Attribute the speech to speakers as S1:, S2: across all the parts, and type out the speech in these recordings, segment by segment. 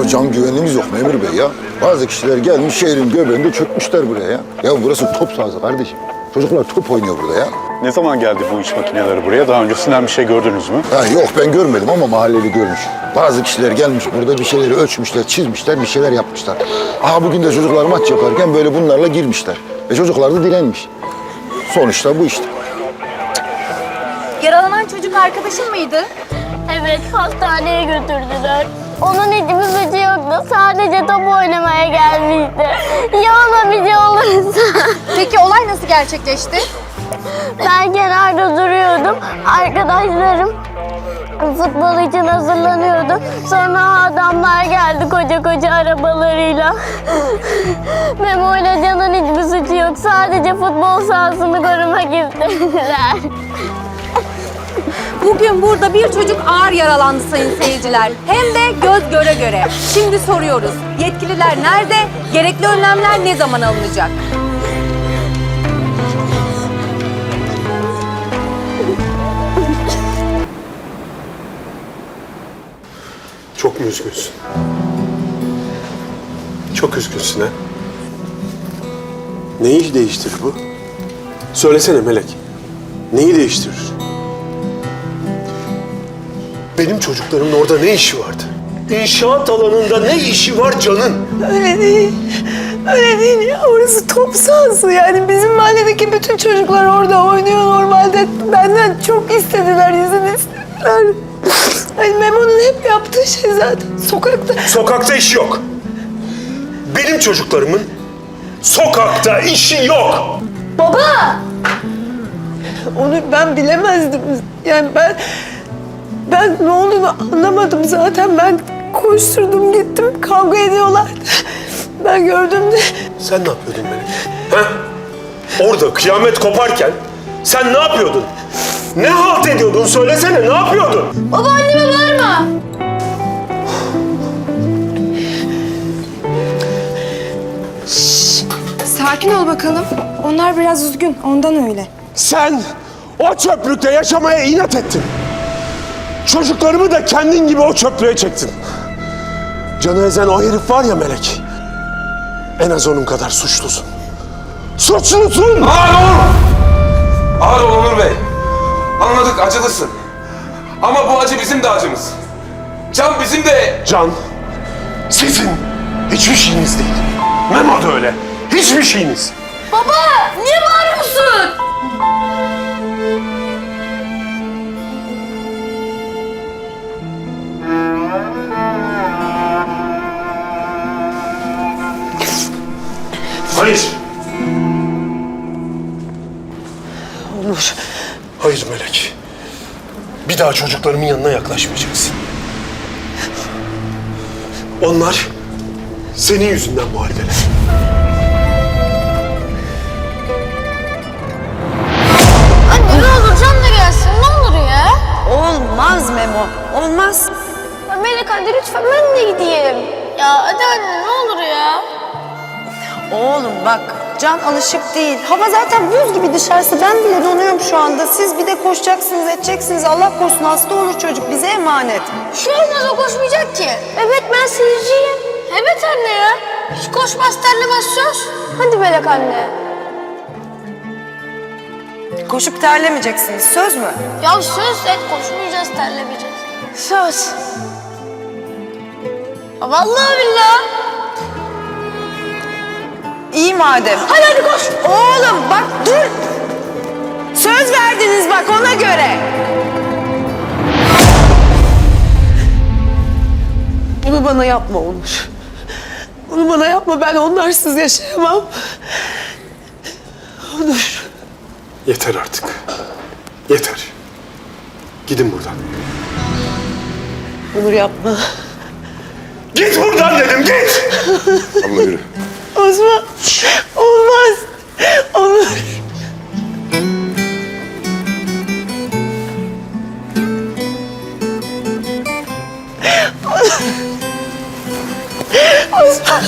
S1: Ya can güvenliğimiz yok memur bey ya. Bazı kişiler gelmiş şehrin göbeğinde çökmüşler buraya ya. Ya burası top sahası kardeşim. Çocuklar top oynuyor burada ya.
S2: Ne zaman geldi bu iş makineleri buraya? Daha öncesinden bir şey gördünüz mü?
S1: Ha, yok ben görmedim ama mahalleli görmüş. Bazı kişiler gelmiş burada bir şeyleri ölçmüşler, çizmişler, bir şeyler yapmışlar. Aha bugün de çocuklar maç yaparken böyle bunlarla girmişler. Ve çocuklar da direnmiş. Sonuçta bu işte.
S3: Yaralanan çocuk arkadaşın mıydı?
S4: Evet, hastaneye götürdüler. Onun hiçbir suçu yoktu. Sadece top oynamaya gelmişti. Ya ona bir şey olursa?
S3: Peki olay nasıl gerçekleşti?
S4: Ben kenarda duruyordum. Arkadaşlarım futbol için hazırlanıyordu. Sonra adamlar geldi koca koca arabalarıyla. Memo ile Can'ın hiçbir suçu yok. Sadece futbol sahasını korumak istediler.
S3: Bugün burada bir çocuk ağır yaralandı sayın seyirciler. Hem de göz göre göre. Şimdi soruyoruz. Yetkililer nerede? Gerekli önlemler ne zaman alınacak?
S5: Çok mu üzgünsün? Çok üzgünsün ha? Neyi değiştirir bu? Söylesene Melek. Neyi değiştirir? Benim çocuklarımın orada ne işi vardı? İnşaat alanında ne işi var Can'ın?
S6: Öyle değil. Öyle değil ya. Orası top sahası. Yani bizim mahalledeki bütün çocuklar orada oynuyor normalde. Benden çok istediler, izin istediler. Hani Memo'nun hep yaptığı şey zaten sokakta.
S5: Sokakta işi yok. Benim çocuklarımın sokakta işi yok.
S6: Baba! Onu ben bilemezdim. Yani ben ne olduğunu anlamadım zaten. Ben koşturdum gittim. Kavga ediyorlardı. Ben gördüm de.
S5: Sen ne yapıyordun Melek? Ha? Orada kıyamet koparken sen ne yapıyordun? Ne halt ediyordun? Söylesene ne yapıyordun?
S4: Baba anneme bağırma.
S7: Sakin ol bakalım. Onlar biraz üzgün, ondan öyle.
S5: Sen o çöplükte yaşamaya inat ettin. Çocuklarımı da kendin gibi o çöplüğe çektin. Canı ezen o herif var ya Melek. En az onun kadar suçlusun. Suçlusun!
S8: Ağır ol Onur Bey. Anladık, acılısın. Ama bu acı bizim de acımız. Can bizim de...
S5: Can, sizin hiçbir şeyiniz değil. Memo da öyle. Hiçbir şeyiniz.
S4: Baba niye bağırıyorsun?
S5: Hayır.
S6: Onur.
S5: Hayır Melek. Bir daha çocuklarımın yanına yaklaşmayacaksın. Onlar senin yüzünden bu haldeler.
S4: Anne ne olur Can da gelsin ne olur ya.
S6: Olmaz Memo. Olmaz.
S4: Ya Melek hadi lütfen ben de gideyim. Ya hadi anne ne olur ya.
S6: Oğlum bak, Can alışık değil. Hava zaten buz gibi dışarısı. Ben bile donuyorum şu anda. Siz bir de koşacaksınız, edeceksiniz. Allah korusun hasta olur çocuk. Bize emanet.
S4: Bir şey olmaz o koşmayacak ki. Evet ben seyirciyim. Evet anne ya. Hiç koşmaz terlemez söz. Hadi Melek anne.
S6: Koşup terlemeyeceksiniz. Söz mü?
S4: Ya söz et koşmayacağız terlemeyeceğiz. Söz. Ya vallahi billahi.
S6: İyi madem.
S4: Hadi koş.
S6: Oğlum bak dur. Söz verdiniz bak ona göre. Bunu bana yapma Onur. Bunu bana yapma. Ben onlarsız yaşayamam. Onur.
S5: Yeter artık. Yeter. Gidin buradan.
S6: Onur yapma.
S5: Git buradan dedim git!
S1: Allah yürü.
S6: Osman. Olmaz. Onur. Osman.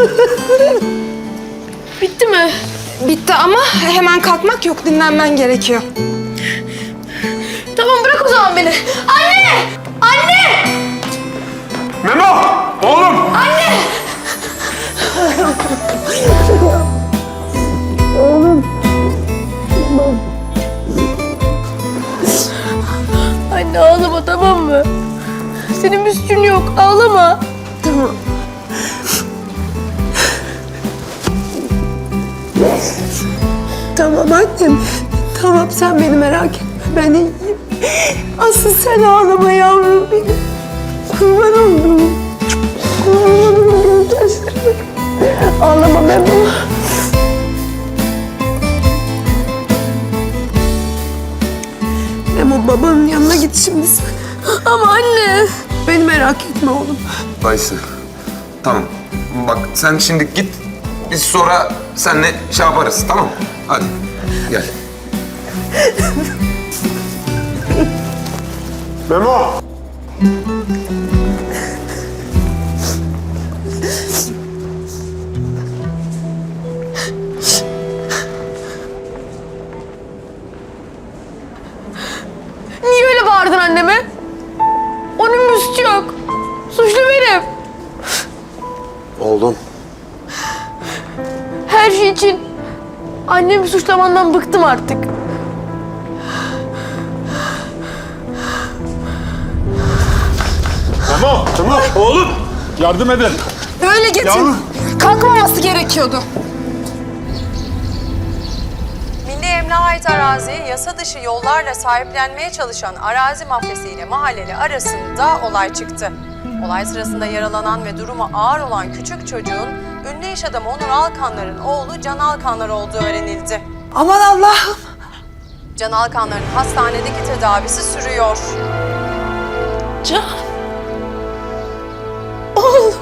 S7: Bitti mi? Bitti ama hemen kalkmak yok, dinlenmen gerekiyor.
S4: Tamam bırak o zaman beni. Anne! Anne!
S5: Memo! Oğlum!
S6: Senin bir suçun yok. Ağlama. Tamam. Tamam annem. Tamam sen beni merak etme. Ben iyiyim. Asıl sen ağlama yavrum benim. Kurban oldum. Kurban oldum gözlerime. Ağlama Memo. Memo babanın yanına git şimdi sen. Ama anne. Beni merak etme oğlum.
S8: Dayısı. Tamam. Bak sen şimdi git. Biz sonra seninle şey yaparız, tamam mı? Hadi gel.
S5: Memo!
S6: Niye öyle bağırdın anneme? Onun bir suçu yok. Suçlu benim.
S5: Oğlum.
S6: Her şey için annemi suçlamandan bıktım artık.
S2: Tamam oğlum. Yardım edin.
S7: Böyle getir. Kalkmaması gerekiyordu.
S3: Milli Emlak'a ait araziyi yasa dışı yollarla sahiplenmeye çalışan arazi mafyası ile mahalleli arasında olay çıktı. Olay sırasında yaralanan ve durumu ağır olan küçük çocuğun ünlü iş adamı Onur Alkanlar'ın oğlu Can Alkanlar olduğu öğrenildi.
S7: Aman Allah'ım.
S3: Can Alkanlar'ın hastanedeki tedavisi sürüyor.
S6: Can. Oğlum.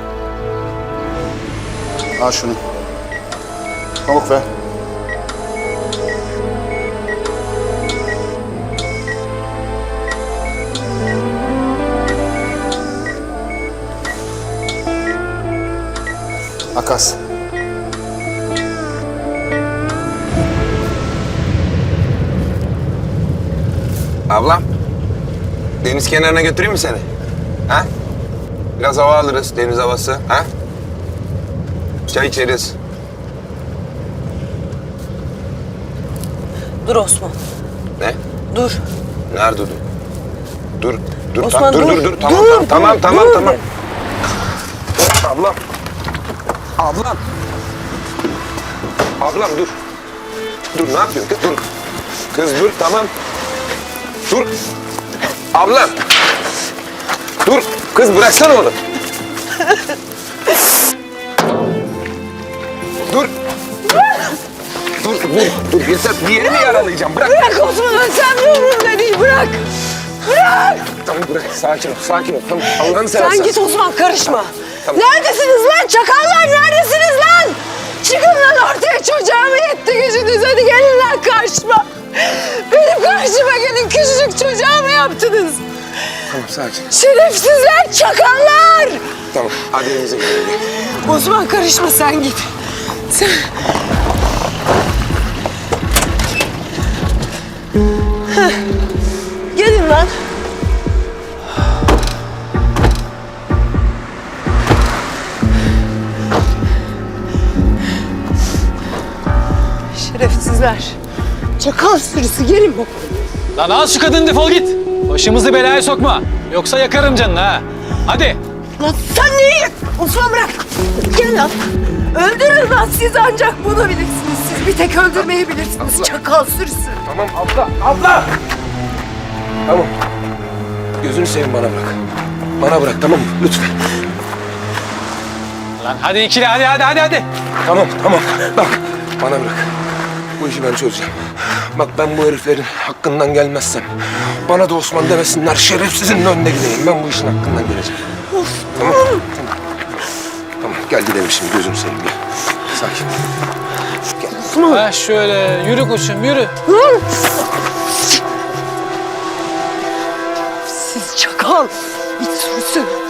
S2: Al şunu. Pamuk ver. Makas.
S8: Ablam, deniz kenarına götüreyim mi seni? Ha? Biraz hava alırız, deniz havası. Ha? Çay içeriz.
S6: Dur Osman.
S8: Ne?
S6: Dur.
S8: Nerede dur? Dur, dur,
S6: Osman,
S8: dur,
S6: dur.
S8: dur, dur. Tamam,
S6: Dur,
S8: tamam,
S6: dur,
S8: tamam,
S6: dur.
S8: tamam. Ablam. Ablam. Ablam dur. Dur, ne yapıyorsun kız? Dur. Kız dur, tamam. Dur. Ablam. Dur. Kız bıraksana onu. Dur. Dur, dur. Bir yerini yaralayacağım. Bırak.
S6: Bırak Osman, sen umurumda değil. Bırak. Bırak.
S8: Tamam bırak. Sakin ol, sakin ol. Tamam. Allah'ını seversen.
S6: Sen git Osman, karışma.
S8: Tamam.
S6: Neredesiniz lan çakallar? Neredesiniz lan? Çıkın lan ortaya, çocuğumu yetti gücünüz. Hadi gelin lan karşıma. Benim karşıma gelin, küçücük çocuğa mı yaptınız?
S8: Tamam, sakin.
S6: Şerefsizler, çakallar.
S8: Tamam, hadi evimize gidelim.
S6: Osman karışma, sen git. Sen... Heh. Gelin lan. Şerefsizler. Çakal sürüsü, gelin bakalım.
S9: Lan al şu kadını, defol git. Başımızı belaya sokma. Yoksa yakarım canını ha. Hadi.
S6: Lan sen neyi? Osman bırak. Gel lan. Öldürün lan, siz ancak bunu bilirsiniz. Siz bir tek öldürmeyi bilirsiniz. Çakal sürüsü.
S8: Tamam abla, abla! Tamam. Gözünü seveyim, bana bırak. Bana bırak, tamam mı? Lütfen.
S9: Lan hadi ikili, hadi.
S8: Tamam, tamam. Bak, bana bırak. Bu işi ben çözeceğim. Bak ben bu heriflerin hakkından gelmezsem... ...bana da Osman demesinler, şerefsizin önüne gideyim. Ben bu işin hakkından geleceğim. Tamam, tamam. Tamam, gel gidelim şimdi, gözünü seveyim. Gel. Sakin. Gel.
S9: Ha şöyle, yürü koçum, yürü.
S6: Siz çakal. İç sürüsü.